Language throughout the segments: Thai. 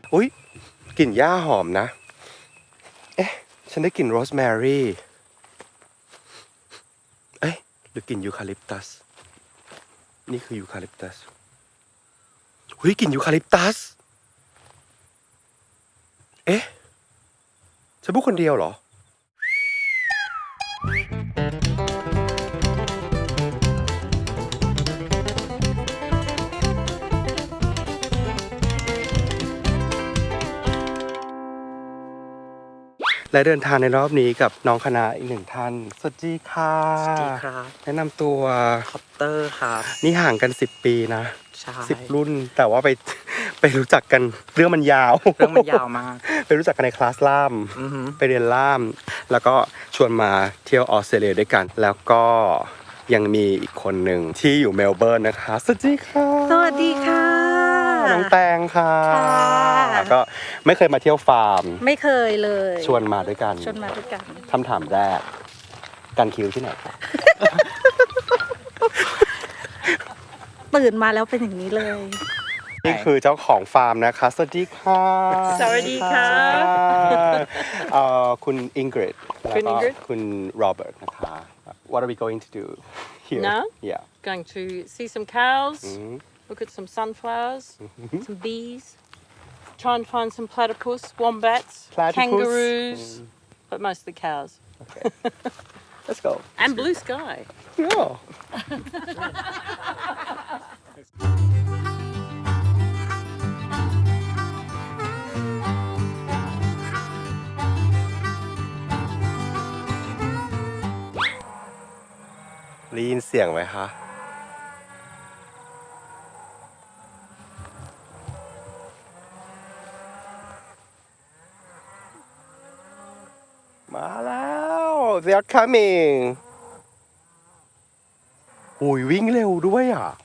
อุ๊ยกลิ่นหญ้าหอมนะเอ๊ะฉันได้กลิ่นโรสแมรี่เอ๊ะหรือกลิ่นยูคาลิปตัสนี่คือยูคาลิปตัสเฮ้ยกลิ่นยูคาลิปตัสเอ๊ะฉันพูดคนเดียวเหรอและเดินทางในรอบนี้กับน้องคณะอีกหนึ่งท่านสวัสดีค่ะสวัสดีครับแนะนำตัวคอปเตอร์ครับนี่ห่างกัน10 ปีนะใช่ 10 รุ่นแต่ว่าไปรู้จักกันเรื่องมันยาวเรื่องมันยาวมากไปรู้จักกันในคลาสล่ามไปเรียนล่าม แล้วก็ชวนมาเที่ยวออสเตรเลียด้วยกัน แล้วก็ยังมีอีกคนหนึ่งที่อยู่เมลเบิร์นนะคะสวัสดีค่ะสวัสดีค่ะน้องแตงค่ะก็ไม่เคยมาเที่ยวฟาร์มไม่เคยเลยชวนมาด้วยกันคำถามแรกกันคิวที่ไหนคะตื่นมาแล้วเป็นอย่างนี้เลยนี่คือเจ้าของฟาร์มนะคะสวัสดีค่ะสวัสดีค่ะคุณอิงกริดแล้วก็คุณโรเบิร์ตนะคะ What are we going to do here Now? Yeah Going to see some cows, look at some sunflowers, some bees, try and find some platypus, wombats, kangaroos, but mostly cows. Okay. Let's go. And blue sky. Yeah. ได้ยินเสียงไหมคะมาแล้ว they are coming หุยวิ่งเร็วด้วยอ่ะ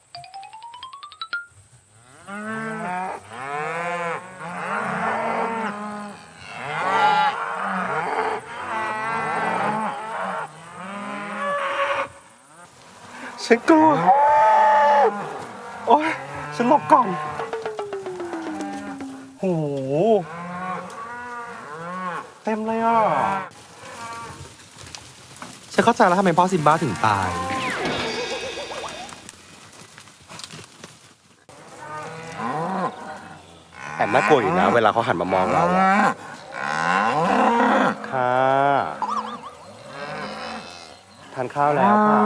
ฉันกลัวโอ๊ยฉันหลบก่อนโหเต็มเลยอ่ะฉันเข้าใจแล้วทำไมพ่อซิมบ้าถึงตายแอบน่ากลัวอยู่นะเวลาเขาหันมามองเราค่ะทานข้าวแล้วค่ะ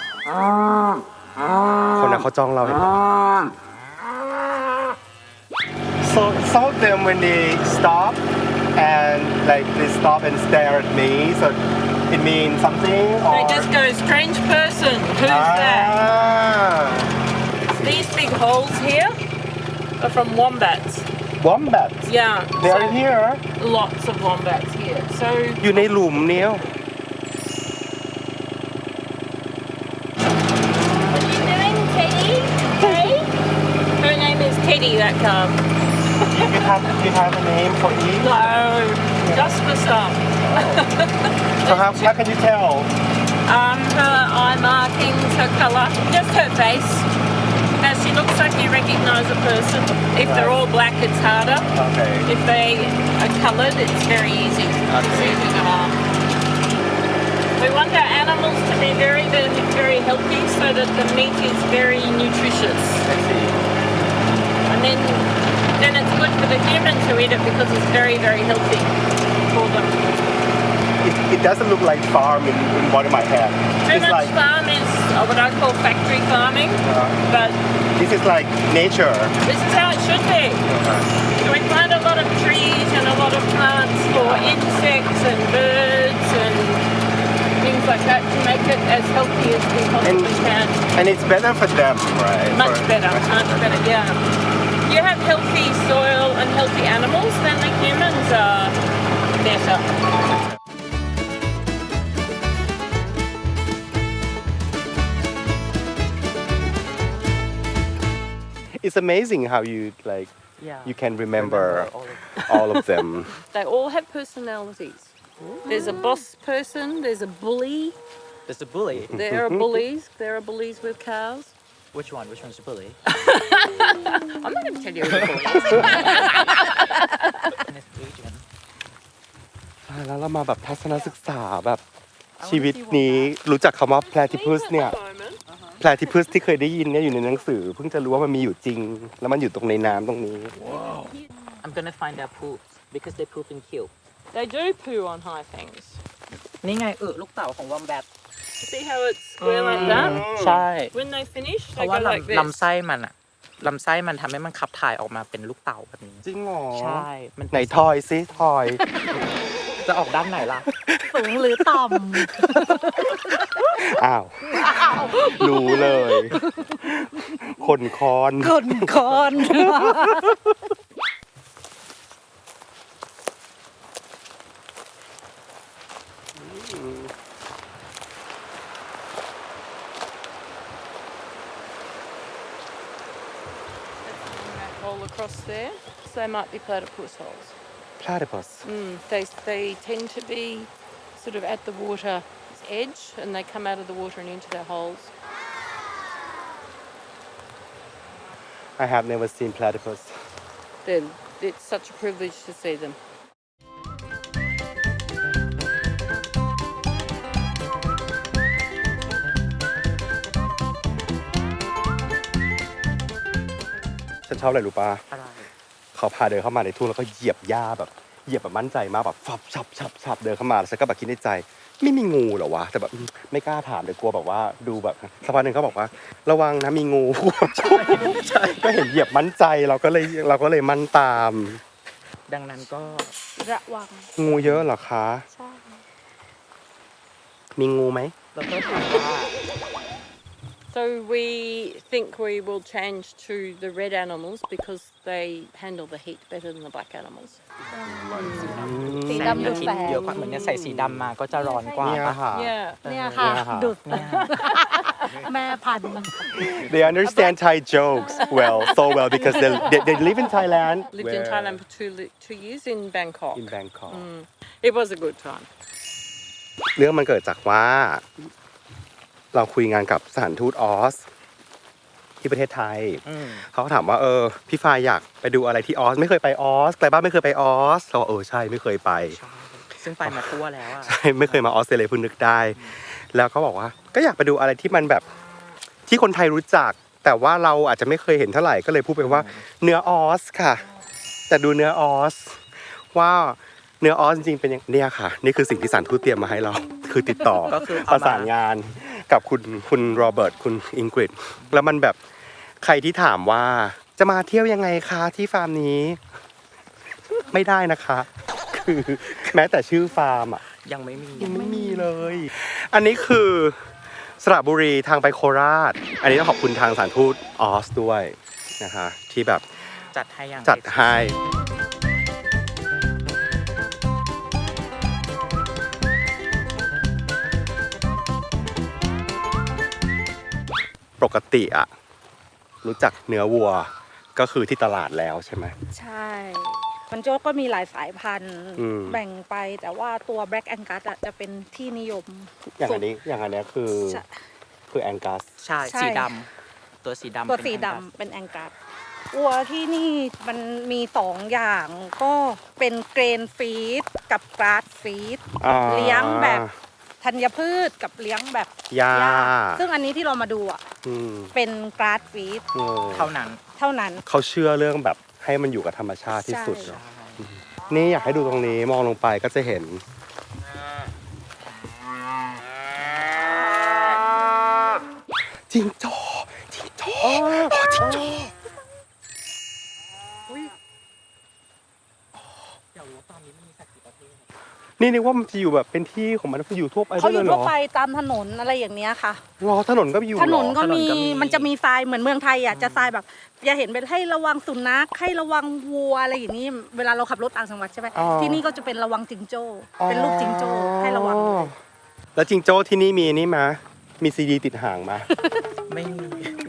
คนนั้นเขาจ้องเราเห็นไหม So some of them when they stop and like they stop and stare at me so it means something or They just go, strange person, who's that? These big holes here are from wombats. Wombats Yeah. they so are here lots of wombats here. So อยู่ในหลุมเนี้ย what are you doing, Teddy? Hey? Her name is Teddy, that calf. you have a name for each No, just for some. so how can you tell Her eye markings, her colour, just her face. Now she looks like you recognise a person. If they're all black, it's harder. okay If they are coloured, it's very easy. It's easy to harm. We want our animals to be very, very, very healthy so that the meat is very nutritious. I see And then it's good for the human to eat it because it's very, very healthy for them. it doesn't look like farm in one of my head Too it's much like farm is what I call factory farming, but this is like nature this is how it should be. So we plant a lot of trees and a lot of plants for insects and birds and things like that to make it as healthy as we possibly can. and it's better for them right Much better, yeah. You have healthy soil and healthy animals, then the humans are better. it's amazing how you like Yeah. you can remember all of them They all have personalities. There's a boss person, there's a bully, There's a bully. there are bullies with cows. Which one? Which one's the bully? I'm not going to tell you who the bully is. In this region. แล้วเรามาแบบทัศนศึกษาแบบชีวิตนี้รู้จักคำว่า platypus เนี่ย platypus ที่เคยได้ยินเนี่ยอยู่ในหนังสือเพิ่งจะรู้ว่ามันมีอยู่จริง แล้วมันอยู่ตรงในน้ำตรงนี้ I'm gonna find their poops because they poop in cube. They do poo on high things. นี่ไงลูกเต่าของวอมแบท See how it's square like that? ใช่ When they finish, เพ they ราะ go ว่า like this. ลำไส้มันอะลำไส้มันทำให้มันขับถ่ายออกมาเป็นลูกเต่าแบบนี้จริงเหรอใช่มันไหนทอยซิทอยจะออกด้านไหนล่ะสูงหรือต่อ้าว รู้เลย คนคอนำคนคอน That hole across there, so they might be platypus holes. platypus They tend to be sort of at the water's edge, and they come out of the water and into their holes. I have never seen platypus It's such a privilege to see them. ฉันชอบอะไรรู้ปะอะไรเขาพาเดินเข้ามาในทุ่งแล้วก็เหยียบหญ้าแบบเหยียบแบบมั่นใจมากแบบฉับเดินเข้ามาแล้วฉันก็แบบคิดในใจ ไม่มีงูเหรอวะแต่แบบไม่กล้าถามเลยกลัวแบบว่าดูแบบสักพักหนึ่งเขาบอกว่า ระวังนะมีงู ใช่ก็เห็นเหยียบมั่นใจเราก็เลยมั่นตามดังนั้นก็ระวังงูเยอะเหรอคะใช่มีงูไหมเราก็ถามว่า So we think we will change to the red animals because they handle the heat better than the black animals. สีแสงดำดูอาทิตแสย์งเยอะกว่าเหมือนเนี่ยใส่สีดำมาก็จะร้อนกว่าเนี่ยปะค่ะ Yeah. เนี่ยค่ะเนี่ยค่ะดุดแม่พันธุ์ They understand Thai jokes so well because they live in Thailand Lived in Thailand for 2 years in Bangkok. in Bangkok It was a good time. เรื่องมันเกิดจากว่า เราคุยงานกับสถานทูตออส ที่ประเทศไทย เขาก็ถามว่าพี่ฟ้าอยากไปดูอะไรที่ออสไม่เคยไปออสไกลบ้านไม่เคยไปออสเราใช่ไม่เคยไปใช่ซึ่งไปมาทั่วแล้วอะใช่ไม่เคยมาออสเตรเลียเพิ่งนึกได้ แล้วเขาบอกว่าก็อยากไปดูอะไรที่มันแบบที่คนไทยรู้จัก แต่ว่าเราอาจจะไม่เคยเห็นเท่าไหร่ก็เลยพูดไปว่าเนื้อออสค่ะ แต่ดูเนื้อออสว่าเนื้อออสจริงๆเป็นอย่างเนี่ยค่ะ นี่คือสิ่งที่สถานทูตเตรียมมาให้เรา คือติดต่อก็คือประสานงานกับคุณโรเบิร์ตคุณอิงกฤษแล้วมันแบบใครที่ถามว่าจะมาเที่ยวยังไงคะที่ฟาร์มนี้ ไม่ได้นะคะ คือแม้แต่ชื่อฟาร์มอ่ะยังไม่มียังไม่มีเลย อันนี้คือสระบุรีทางไปโคราช อันนี้ต้องขอบคุณทางสถานทูตออสด้วยนะคะที่แบบจัดให้อย่างจัดให้ปกติอะรู้จักเนื้อวัวก็คือที่ตลาดแล้วใช่ไหมใช่มันโจ๊กก็มีหลายสายพันธุ์อืมแบ่งไปแต่ว่าตัว Black Angus อะจะเป็นที่นิยมอย่างอันนี้คือแองกัสใช่ใช่สีดำตัวสีดำตัวเป็นสีแองกัสดำเป็นแองกัสวัวที่นี่มันมี2อย่างก็เป็นเกรนฟีดกับกราสฟีด เลี้ยงแบบธัญพืชกับเลี้ยงแบบหญ้าซึ่งอันนี้ที่เรามาดูอ่ะอืมเป็นกราสฟีดเท่านั้นเท่านั้นเขาเชื่อเรื่องแบบให้มันอยู่กับธรรมชาติที่สุดใช่เนอะนี่อยากให้ดูตรงนี้มองลงไปก็จะเห็นจิงโจ้จิงโจ้จิงโจ้อยากรู้ว่าตอนนี้มันมีสัตว์กี่ประเภทนี่นึกว่ามันจะอยู่แบบเป็นที่ของมันอยู่ทั่วไปเขาได้อเลยู่ยเหรทั่วอไปตามถนนอะไรอย่างเนี้ยค่ะรอถนนก็อยู่เหรอถนนก็มีถนนก็มีมันจะมีทรายเหมือนเมืองไทยอ่ะจะทรายแบบอย่าเห็นเป็นให้ระวังสุนัขให้ระวังวัวอะไรอย่างนี้ เวลาเราขับรถต่างจังหวัดใช่ไหมอ๋อที่นี่ก็จะเป็นระวังจิงโจ้เป็นลูกจิงโจ้ให้ระวังอ๋อแล้วจิงโจ้ที่นี่มีนี่มามีซีดีติดหางมาไม่มี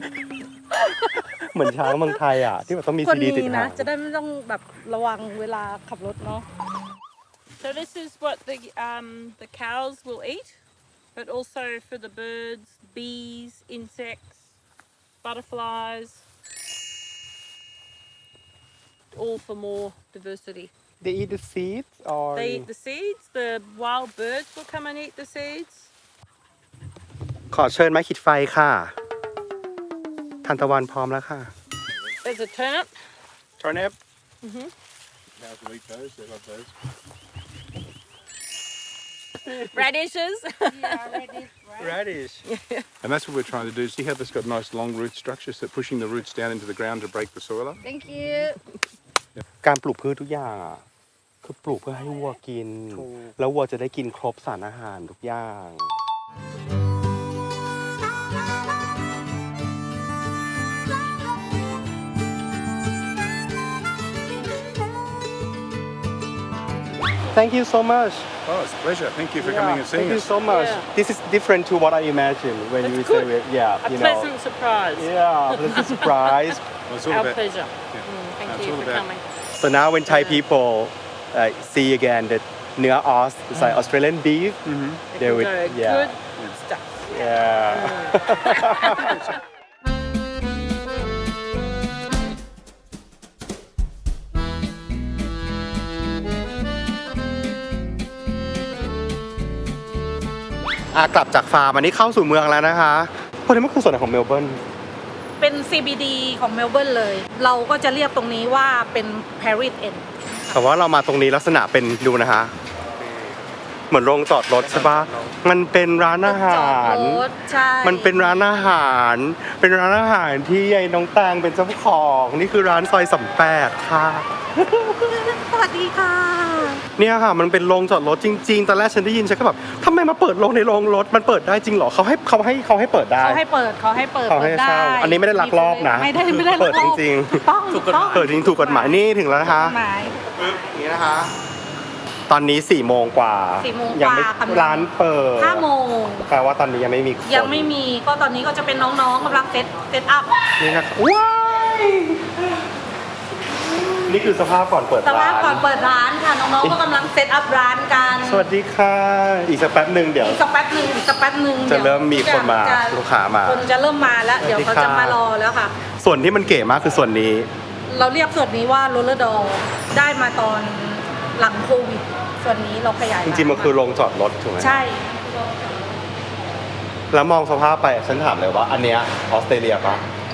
เหมือนช้างเมืองไทยอ่ะที่แบบต้องมีคนซีดีติดนี้หานะงจะได้ไม่ต้องแบบระวังเวลาขับรถเนาะ So this is what the cows will eat, but also for the birds, bees, insects, butterflies, all for more diversity. They eat the seeds or They eat the seeds. The wild birds will come and eat the seeds. ขอเชิญไม้ขีดไฟค่ะทานตะวันพร้อมแล้วค่ะ There's a turnip. Turnip Cows will eat those. They love those. Radishes. radish And that's what we're trying to do. See how this got nice long root structures that pushing the roots down into the ground to break the soil up? Thank you การปลูกพืชทุกอย่างอะคือปลูกเพื่อให้วัวกิน แล้ววัวจะได้กินครบสารอาหารทุกอย่าง Thank you so much. Oh, it's a pleasure. Thank you for coming and seeing Thank you us. so much. Yeah. This is different to what I imagined when That's you good. say it. Yeah, A you know. pleasant surprise. Yeah, pleasant surprise. Well, it's all Our about pleasure. Yeah. Thank It's you all for about- coming. So now when Thai people see again that Nua Aus is like Australian beef, they would, Good yeah, stuff. yeah. กลับจากฟาร์มอันนี้เข้าสู่เมืองแล้วนะคะพวกนี้มันคือส่วนไหนของเมลเบิร์นเป็น CBD ของเมลเบิร์นเลย เราก็จะเรียกตรงนี้ว่าเป็น Paris End แต่ว่าเรามาตรงนี้ลักษณะเป็นดูนะคะ เหมือนโรงจอดรถใช่ปะมันเป็นร้านอาหารจอดรถใช่มันเป็นร้านอาหาร เป็นร้านอาหารที่ยายน้องแตงเป็นเจ้าของนี่คือร้านซอย38ค่ะสวัสดีค่ะเนี่ยค่ะมันเป็นโรงจอดรถจริงๆตอนแรกฉันได้ยินฉันก็แบบทำไมมาเปิดโรงในโรงรถมันเปิดได้จริงเหรอเขาให้เปิดได้เขาให้เปิดเขาให้เปิดเขาให้เช่าอันนี้ไม่ได้ลักลอบนะไม่ได้ลักลอบเปิดจริงๆถูกต้องถูกต้องเปิดจริงถูกกฎหมายนี่ถึงแล้วนะคะหมายอย่างนี้นะคะ ตอนนี้4 โมงกว่า 4 โมงยังไม่กว่ากำลังร้านเปิด 5 โมงแปลว่าตอนนี้ยังไม่มีคนยังไม่มีก็ตอนนี้ก็จะเป็นน้องๆกำลังเซตอัพนี่นะคะว้ายนี่คือสภาพก่อนเปิดสร้าภาพนก่อนเปิดร้านค่ะน้องๆก็กำลังเซตอัพร้านกันสวัสดีค่ะ อีกสักแป๊บหนึ่งเดี๋ยวอีกสักแป๊บหนึ่งจะดี๋ยวเริ่มมีคนมาจะลูกค้ามาคนจะเริ่มมาแล้ว เดี๋ยวเขาจะมารอแล้วค่ะส่วนที่มันเก๋มากคือส่วนนี้เราเรียกส่วนนี้ว่าโรลเลอร์ดอลได้มาตอนหลังโควิด ส่วนนี้เราขยายจริงๆมันคือโรงจอดรถถูกไหมใช่แล้วมองสภาพไปฉันถามเลยว่า อันเนี้ยออสเตรเลียปะ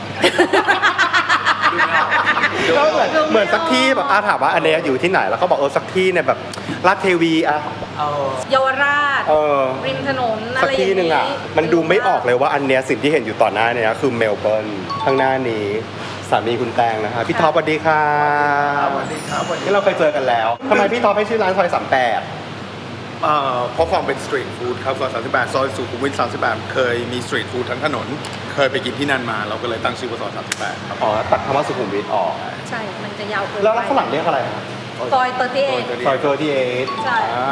ก็เหมือนสักที่แบบถามว่าอันเนี้ยอยู่ที่ไหนแล้วเขาบอกสักที่เนี่ยแบบลาดเทวีอะเยาวราช ริมถนนอะสักไรอย่างที่หนึ่งอะมันดูไม่ออกเลยว่าอันเนี้ยสิ่งที่เห็นอยู่ต่อหน้าเนี่ยคือเมลเบิร์นข้างหน้านี้สามีคุณแตงนะคะพี่ท็อปสวัสดีค่ะสวัสดีครับนี่เราเคยเจอกันแล้วทำไมพี่ท็อปให้ชื่อร้านซอย38 เพราะความเป็นสตรีทฟู้ดครับซอย38ซอยสุขุมวิท38เคยมีสตรีทฟู้ดทั้งถนน เคยไปกินที่นั่นมา เราก็เลยตั้งชื่อว่าซอย38ครับอ๋อตัดคำว่าสุขุมวิทออกใช่ มันจะยาวเกินแล้วฝรั่งเรียกอะไรครับซอยเตอร์ตี้เอซอย38 ใช่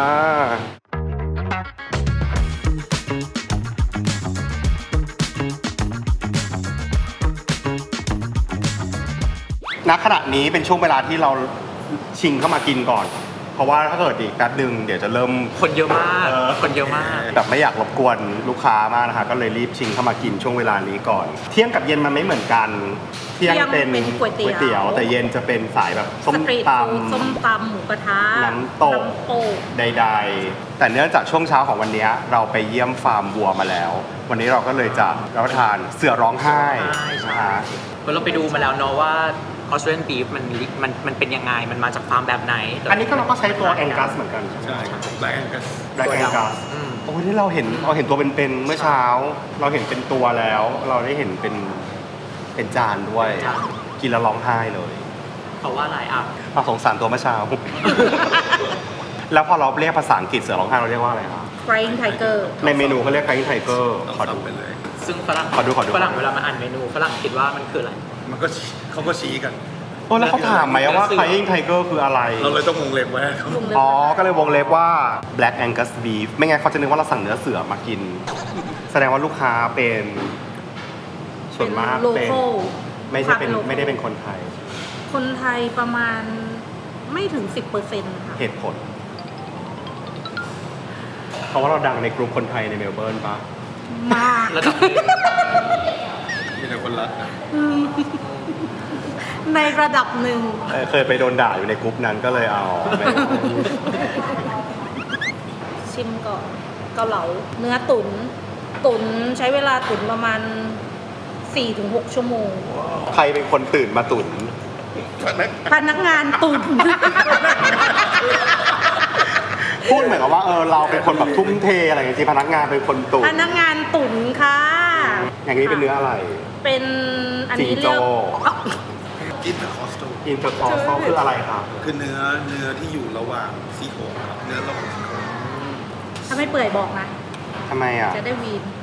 ณขณะนี้เป็นช่วงเวลาที่เราชิงเข้ามากินก่อน เพราะว่าถ้าเกิดอีกแป๊บนึงเดี๋ยวจะเริ่มคนเยอะมาก คนเยอะมากแบบไม่อยากรบกวนลูกค้ามากนะคะก็เลยรีบชิงเข้ามากินช่วงเวลานี้ก่อน เที่ยงกับเย็นมันไม่เหมือนกัน เที่ยงเป็นก๋วยเตี๋ยวแต่เย็นจะเป็นสายแบบส้มสตรีทตฟู้ดส้มตำหมูกระทะน้ำตกกำใดๆ แต่เนื่องจากช่วงเช้าของวันนี้เราไปเยี่ยมฟาร์มวัวมาแล้ว วันนี้เราก็เลยจะรับประทานเสือร้องไห้นะคะเราไปดูมาแล้วเนาะว่าออสเตรเลียนบีฟมันเป็นยังไง มันมาจากฟาร์มแบบไหนอันนี้ก็เราก็ใช้ตัวแองกัสเหมือนกันใช่ครับแบล็กแองกัสแบล็กแองกัสโอ้ยที่เราเห็นตัวเป็นๆเมื่อเช้า เราเห็นเป็นตัวแล้ว เราได้เห็นเป็นจานด้วย กินแล้วร้องไห้เลยเพราะว่าอะไรอ่ะเราสงสารตัวเมื่อเช้า แล้วพอเราเรียกภาษาอังกฤษเสือร้องไห้เราเรียกว่าอะไรครับ Crying Tiger ในเมนูเขาเรียกไคไทเกอร์ต้องขอดูทำไปเลยซึ่งฝรั่งขอดูฝรั่งเวลามาอ่านเมนูฝรั่งคิดว่ามันคืออะไรมันก็เขาก็ชี้กันโอ้แล้วเขาถามไหมว่าไคไทเกอร์คืออะไรเราเลยต้องวงเล็บไว้ให้เขาอ๋อ ก็เลยวงเล็บว่า Black Angus Beef ไม่งั้นเขาจะนึกว่าเราสั่งเนื้อเสือมากิน แสดงว่าลูกค้าเป็นส่วนมากโลเป็นโก้ไม่ใช่เป็นไม่ได้เป็นคนไทยคนไทยประมาณไม่ถึง 10%ค่ะเหตุผล เพราะว่าเราดังในกลุ่มคนไทยในเมลเบิร์นปะมากระดับหนึ่งมีแต่คนลรักนะในระดับหนึ่งเคยไปโดนด่าอยู่ในกรุ๊ปนั้นก็เลยเอาไปชิมก่อนเกาเหลาเนื้อตุ๋นใช้เวลาตุ๋นประมาณ 4-6 ชั่วโมงใครเป็นคนตื่นมาตุ๋นพนักงานตุ๋นพูดเหมือนกับว่าเราเป็นคนแบบทุ่มเทอะไรอย่างเงี้ยจริงพนักงานเป็นคนตุ๋นพนักงานตุ๋นค่ะอย่างนี้เป็นเนื้ออะไรเป็นอันนี้เรียกจิงโจ้อินเตอร์คอสโตอินเตอร์คอร์สคืออะไรครับคือเนื้อที่อยู่ระหว่างซี่โครงครับเนื้อระหว่างซี่โครงถ้าไม่เปื่อยบอกนะทำไมอ่ะจะได้วีน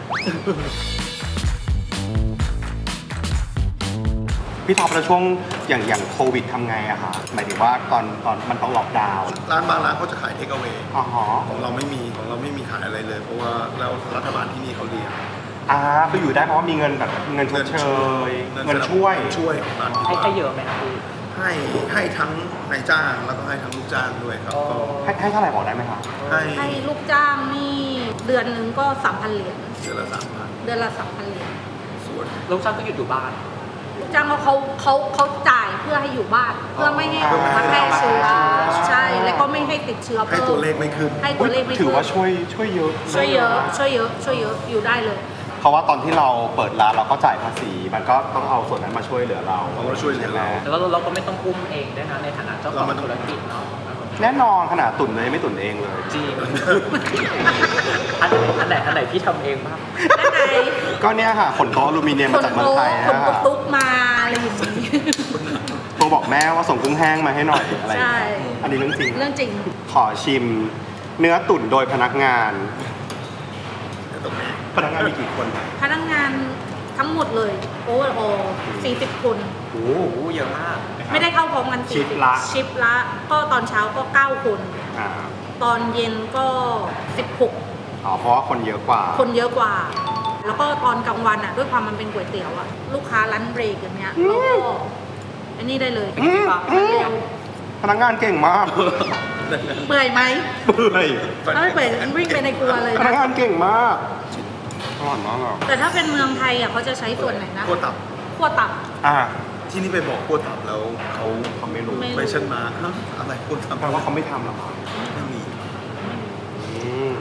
พี่ท็อปแล้วช่วงอย่างโควิดทำไงอะคะหมายถึงว่าตอนมันต้องล็อกดาวน์ร้านบางร้านเขาจะขายเทคเอาเวอ๋อฮะของเราไม่มีขายอะไรเลย เพราะว่าแล้วรัฐบาลที่นี่เขาเลี้ยงคืออยู่ได้เพราะว่ามีเงินแบบเงินชดเชยเงินช่วยช่วยของร้านที่ให้ว่าให้เยอะไหมครับพี่ให้ทั้งนายจ้างแล้วก็ให้ทั้งลูกจ้างด้วยครับก็ให้เท่าไหร่บอกได้ไหมคะให้ลูกจ้างนี่เดือนหนึงก็ 3,000 เหรียญเดือนละ3,000 เดือนละ 3,000 เหรียญส่วนลูกจ้างก็หยุดอยู่บ้านลูกจ้างเขาจ่ายเพื่อให้อยู่บ้าน เพื่อไม่ให้มาแพร่เชื้อใช่ แล้วก็ไม่ให้ติดเชื้อให้เพิ่มตัวเลขไม่ขึ้นให้ตัวเลขไม่ถือว่าขึ้นช่วยเยอะช่วยเยอะอยู่ได้เลยเพราะว่าตอนที่เราเปิดร้านเราก็จ่ายภาษี มันก็ต้องเอาส่วนนั้นมาช่วยเหลือเราเขาก็ช่วยเหลือเราใช่ไหมแล้วเราก็ไม่ต้องอุ้มเองด้วยนะในฐานะเจ้าของธุรกิจเนาะแน่นอนขนาดตุ่นเลยไม่ตุ่นเองเลยจริง อันไหนพี่ทำเองบ้างด้านในก็เนี่ยค่ะขนโต๊ะอลูมิเนียมคมาน จากเมืองโต๊ะไทยคนนะตุ๊กมาอะไรอย่างนี้โทรบอกแม่ว่าส่งกุ้งแห้งมาให้หน่อยอะไรอย่างใช่เงี้ยอันนี้เรื่องจริงเรื่องจริงขอชิมเนื้อตุ๋นโดยพนักงานตรงนี้พนักงานมีกี่คนพนักงานทั้งหมดเลยโอเวอร์ออ40 คนโอ้โอ้เยอะมากไม่ได้เข้าพร้อมกันชิปละชิปละก็ตอนเช้าก็ 9 คนอ่าตอนเย็นก็ 16 อ๋อเพราะว่าคนเยอะกว่าคนเยอะกว่า แล้วก็ตอนกลางวันอ่ะ ด้วยความมันเป็นก๋วยเตี๋ยวอ่ะ ลูกค้าร้านเบรกอย่างเงี้ยเราก็อันนี้ได้เลยพนักงานเก่งมากเปื่อยไหมเปื่อยถ้าไม่เปื่อยวิ่งไปในครัวเลยพนักนะงานเก่งมากอร่อยมากอ่ะแต่ถ้าเป็นเมืองไทยอ่ะเขาจะใช้ส่วนไหนนะขั้วตับขั้วตับอ่าที่นี่ไปบอกขั้วตับแล้วเขาเขาไม่รู้ไม่ไปเช่นมาฮะอะไรขั้วตับแปลว่าเขาไม่ทำหรอครับไม่มีอืม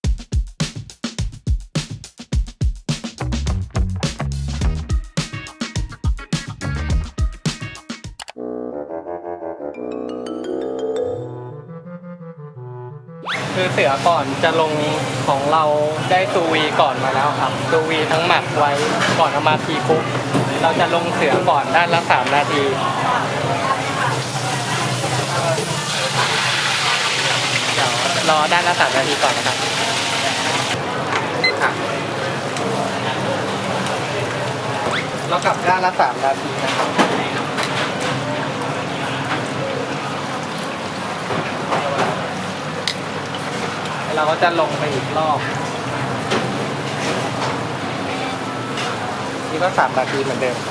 คือเสือก่อนจะลงของเราได้ซูวีก่อนมาแล้วครับซูวีทั้งหมักไว้ก่อนเอามาทีคุกเราจะลงเสือก่อนด้านละ3 นาทีเดี๋ยวรอด้านละ3 นาทีก่อนนะครับค่ะเรากลับด้านละ3 นาทีนะครับเราก็จะลงไปอีกรอบนี่ก็3 นาทีเหมือนเดิม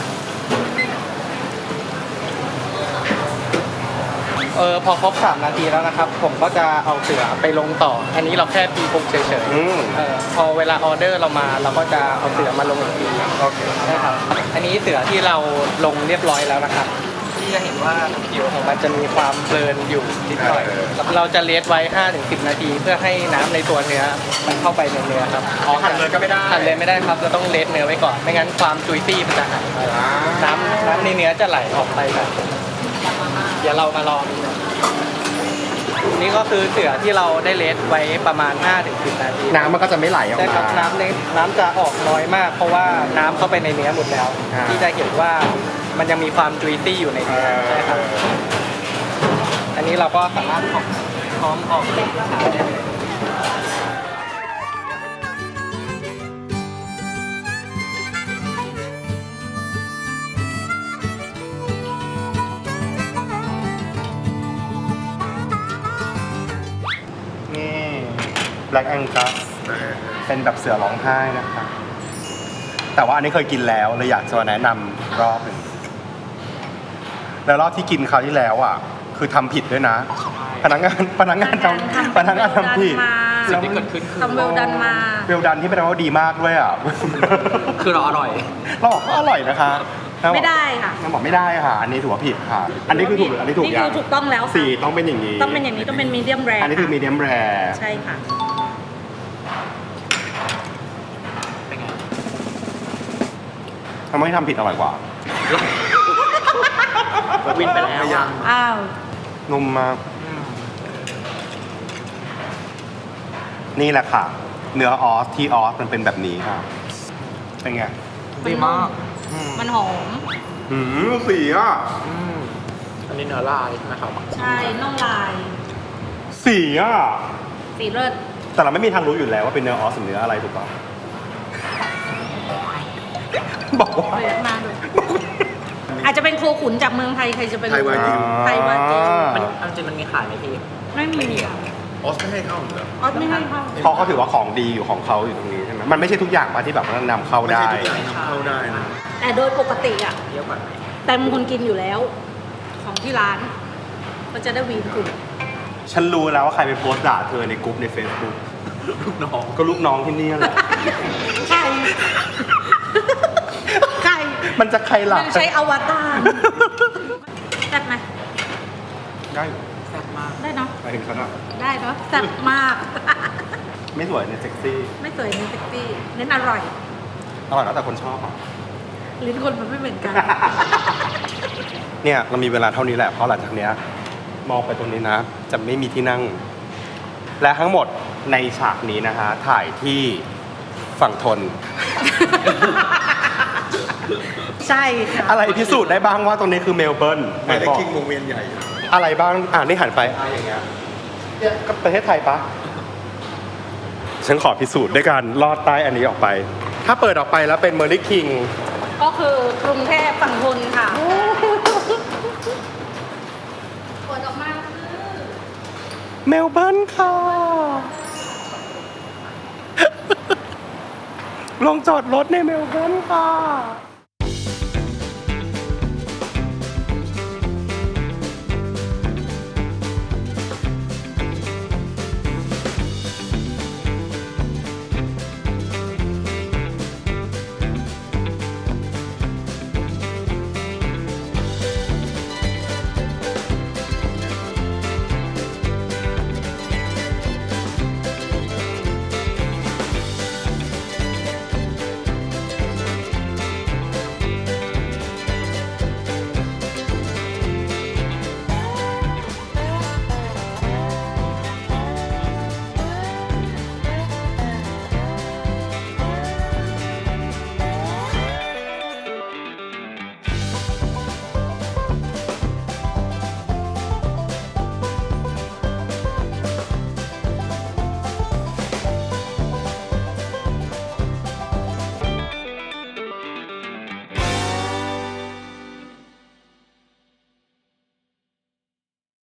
พอครบ3 นาทีแล้วนะครับ ผมก็จะเอาเสือไปลงต่อ อันนี้เราแค่ตีปุกเฉยอืมๆพอเวลาออเดอร์เรามาเราก็จะเอาเสือมาลงอีกทีโอเคนะครับอันนี้เสือที่เราลงเรียบร้อยแล้วนะครับที่จะเห็นว่าผิวของมันจะมีความเบิร์นอยู่นิดหน่อยเราจะเลสไว้ 5-10 นาที เพื่อให้น้ำในตัวเนื้อมันเข้าไปในเนื้อครับหั่นเลยก็ไม่ได้หั่นเลยไม่ได้ครับเราต้องเลสเนื้อไว้ก่อนไม่งั้นความจุยซี่มันจะหายไปน้ำในเนื้อจะไหลออกไปแบบเดี๋ยวเรามาลองดูนี่ก็คือเสือที่เราได้เลสไว้ประมาณ 5-10 นาทีน้ำมันก็จะไม่ไหลออกใช่มาครับน้ำจะออกน้อยมาก เพราะว่าน้ำเข้าไปในเนื้อหมดแล้วอ่าที่จะเห็นว่ามันยังมีความจุยซี่อยู่ในเนื้อใช่ครับอันนี้เราก็สามารถพร้อมออกเป็นขายได้เลยนี่ Black Angus เป็นแบบเสือร้องไห้นะคะแต่ว่าอันนี้เคยกินแล้วเลยอยากจะมาแนะนำรอบหนึ่งแล้วรอบที่กินคราวที่แล้วอ่ะ คือทำผิดด้วยนะ พนักงานทำผิดสิ่งที่เกิดขึ้นคือทำเวลดันมาเวลดันที่เป็นว่าดีมากด้วยอ่ะคือเราอร่อยเราบอกว่าอร่อยนะคะไม่ได้ค่ะนางบอกไม่ได้ค่ะ อันนี้ถือว่าผิดค่ะ อันนี้คือถูกหรืออันนี้ถูกนี่ยัคืงอถูกต้องแล้วค่ะสีต้องเป็นอย่างนี้ต้องเป็นอย่างนี้ต้องเป็นมีเดียมแรอันนี้คือมีเดียมแรใช่ค่ะเป็นไงทำไมทำผิดอร่อยกว่าวินไปแล้วอะอ้าวนุ่มมาก นี่แหละค่ะ เนื้อออสที่ออสมันเป็นแบบนี้ค่ะ เป็นไงดีมากมันหอมสีอ่ะอันนี้เนื้อลายนะครับใช่น่องลายสีอ่ะสีเลิศแต่เราไม่มีทางรู้อยู่แล้วว่าเป็นเนื้อออสหรือเนื้ออะไรถูกป่ะบอกว่าเปิดมาดูอาจจะเป็นโคขุนจากเมืองไทยใครจะเป็นไทยวากิวไทยวากิวมันเอาจริงมันมีขายไหมพี่ไม่มีออสไม่ให้เข้าเหรอออสไม่ให้เข้าเขาก็ถือว่าของดีอยู่ของเขาอยู่ตรงนี้ใช่ไหมมันไม่ใช่ทุกอย่างป่ะที่แบบว่านำเข้าไม่ได้ใช่ทุกอย่างนำเข้าได้นะแต่โดยปกติอ่ะเยอะกว่าไหมแต่บางคนกินอยู่แล้ว ของที่ร้าน ก็จะได้วีนคุณฉันรู้แล้วว่าใครไปโพสต์ด่าเธอในกลุ่มใน Facebook ลูกน้องก็ลูกน้องที่นี่แหละใคร ใครมันจะใครหลักมันใช้อวตารแซ่บไหมได้แซ่บมากได้เนาะไปถึงฉันอ่ะได้เนาะแซ่บมากไม่สวยเนี่ยเซ็กซี่ไม่สวยเน้นเซ็กซี่เน้นอร่อยอร่อยแล้วแต่คนชอบอ่ะลิ้นคนมันไม่เหมือนกันเนี่ยเรามีเวลาเท่านี้แหละเพราะหลังจากเนี้ยมองไปตรงนี้นะ จะไม่มีที่นั่ง และทั้งหมดในฉากนี้นะคะ ถ่ายที่ฝั่งทนใช่ค่ะอะไรพิสูจน์ได้บ้างว่าตรงนี้คือเมลเบิร์นหมายเลขบอกคิงวงเวียนใหญ่อะไรบ้างนี่หันไปอย่างเงี้ยเนี่ยก็ประเทศไทยปะฉันขอพิสูจน์ด้วยการลอดใต้อันนี้ออกไป ถ้าเปิดออกไปแล้วเป็นเมอร์ลิคิงก็คือกรุงเทพฝั่งทนค่ะเปิดออกมาคือเมลเบิร์นค่ะ ลงจอดรถในเมลเบิร์นค่ะ